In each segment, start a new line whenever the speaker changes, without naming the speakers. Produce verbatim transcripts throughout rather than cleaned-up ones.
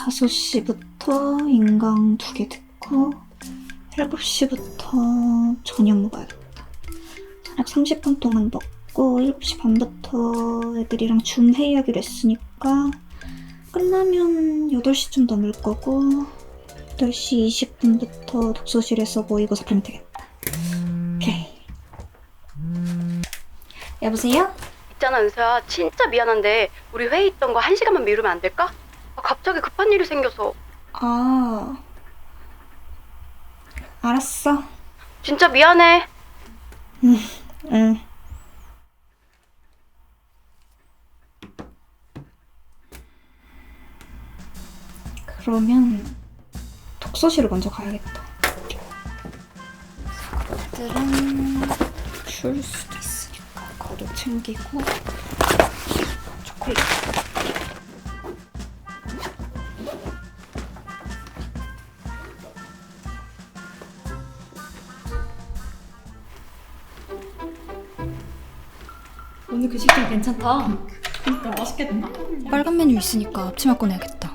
다섯 시부터 인강 두 개 듣고 일곱 시부터 저녁 먹어야겠다. 저녁 삼십 분 동안 먹고 일곱 시 반부터 애들이랑 줌 회의하기로 했으니까 끝나면 여덟 시쯤 넘을 거고 여덟 시 이십 분부터 독서실에서 모이고 그러면 되겠다. 오케이. 여보세요?
있잖아 은서야, 진짜 미안한데 우리 회의 있던 거 한 시간만 미루면 안 될까? 아, 갑자기 급한 일이 생겨서.
아... 알았어.
진짜 미안해.
응, 응. 그러면 독서실을 먼저 가야겠다. 애들은 추울 수도 있으니까 겉옷 챙기고 초콜릿.
오늘 그 식당 괜찮다. 그러니까 맛있겠다.
빨간 메뉴 있으니까 앞치마 꺼내야겠다.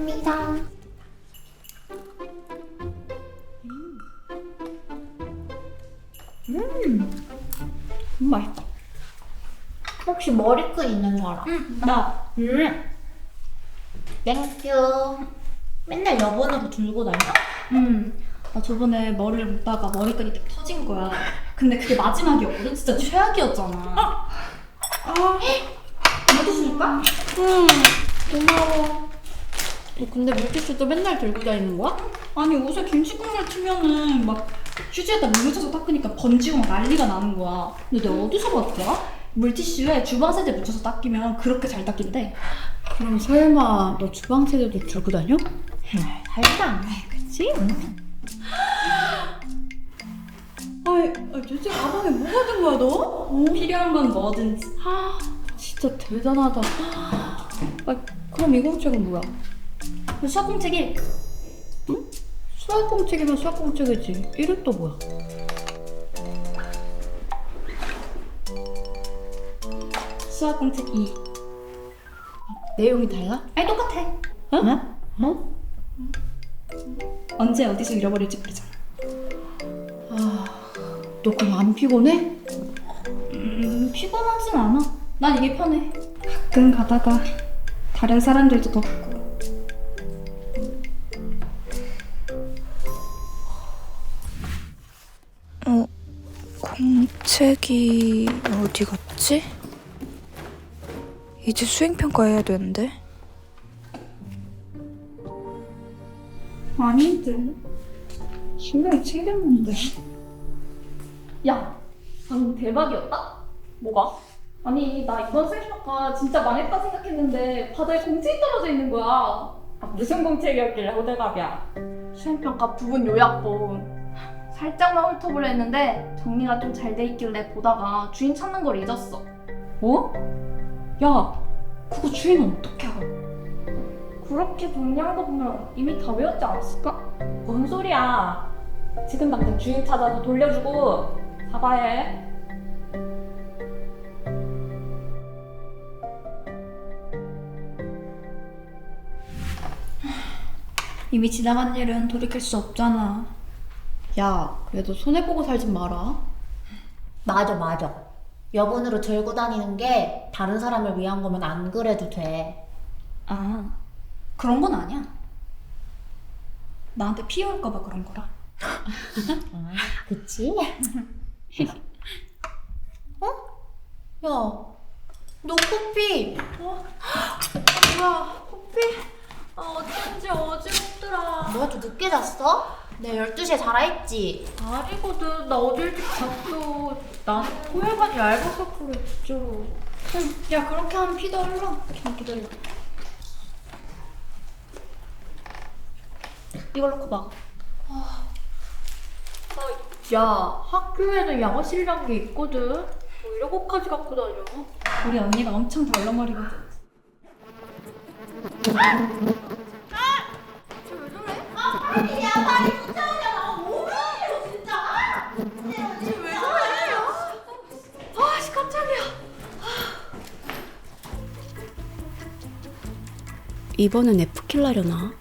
음, 맛있다.
혹시 머리끈 있는 거 알아?
응, 나. 음.
땡큐. 맨날 여번으로 들고 다녀?
음. 나 저번에 머리를 묶다가 머리끈이 딱 터진 거야. 근데 그게 마지막이었거든. 진짜 최악이었잖아. 아. 아. 물티슈일까?
응. 고마워.
너 근데 물티슈도 맨날 들고 다니는 거야? 아니 옷에 김치 국물 튀면은 막 휴지에다 물 묻혀서 닦으니까 번지고 막 난리가 나는 거야. 근데 내가 어디서 봤더라? 물티슈에 주방 세제 묻혀서 닦이면 그렇게 잘 닦인대.
그럼 설마 너 주방 세제도 들고 다녀?
달다.
그치?
아이, 아, 도대체 가방에 뭐가 든 거야 너? 어? 필요한 건 뭐든지.
아, 진짜 대단하다. 아, 그럼 이 공책은 뭐야?
수학 공책 일.
응? 수학 공책이면 수학 공책이지. 일은 또 뭐야?
수학 공책 이.
내용이 달라?
아니 똑같아.
어? 어?
언제 어디서 잃어버릴지 모르잖아.
아, 너 그럼 안 피곤해?
음, 피곤하진 않아. 난 이게 편해. 가끔 가다가 다른 사람들도 더 보고.
어, 공책이 어디 갔지? 이제 수행평가 해야 되는데.
아닌데. 분명히 챙겼는데. 야, 방금 대박이었다? 뭐가? 아니, 나 이번 수행평가 진짜 망했다 생각했는데 바다에 공책이 떨어져 있는 거야. 아, 무슨 공책이었길래 호들갑이야? 수행평가 부분 요약본. 살짝만 훑어보려 했는데 정리가 좀 잘 돼 있길래 보다가 주인 찾는 걸 잊었어.
어? 야, 그거 주인은 어떻게 알아?
그렇게 정리한 거 보면 이미 다 외웠지 않았을까?
뭔 소리야? 지금 당장 주인 찾아서 돌려주고 사과해.
이미 지나간 일은 돌이킬 수 없잖아.
야, 그래도 손해보고 살진 마라.
맞아, 맞아. 여번으로 들고 다니는 게 다른 사람을 위한 거면 안 그래도 돼.
아, 그런 건 아니야. 나한테 피해올까봐 그런 거라.
그치? 어? 야, 너 코피.
어? 뭐야, 코피? 아, 어쩐지 어지럽더라.
너가 좀 늦게 잤어? 내가 열두 시에 자라 했지?
아니거든. 나 어제 일찍 잤어. 난 호혈관이 얇아서 그래, 진짜로. 응, 야, 그렇게 하면 피도 흘러. 좀 기다려. 이걸 놓고 봐.
야, 학교에는 양호실이란 게 있거든. 뭐 이런 것까지 갖고 다녀?
우리 언니가 엄청 덜렁머리거든.
이번엔 F킬라려나?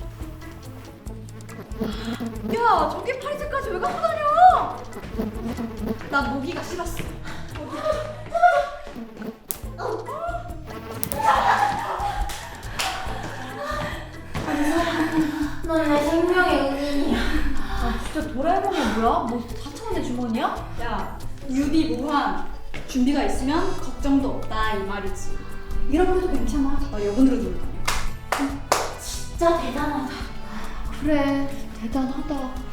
야, 저기 파리새까지 왜 갖고 다녀? 나 모기가 싫었어.
너내 생명의 은인이야.
아, 진짜 도라에몽이 뭐야? 뭐 사천 원의 주머니야? 야, 유비 무한. 준비가 있으면 걱정도 없다 이 말이지. 잃어버려도 괜찮아. 나 여분으로 놀 거야.
진짜 대단하다.
그래, 대단하다.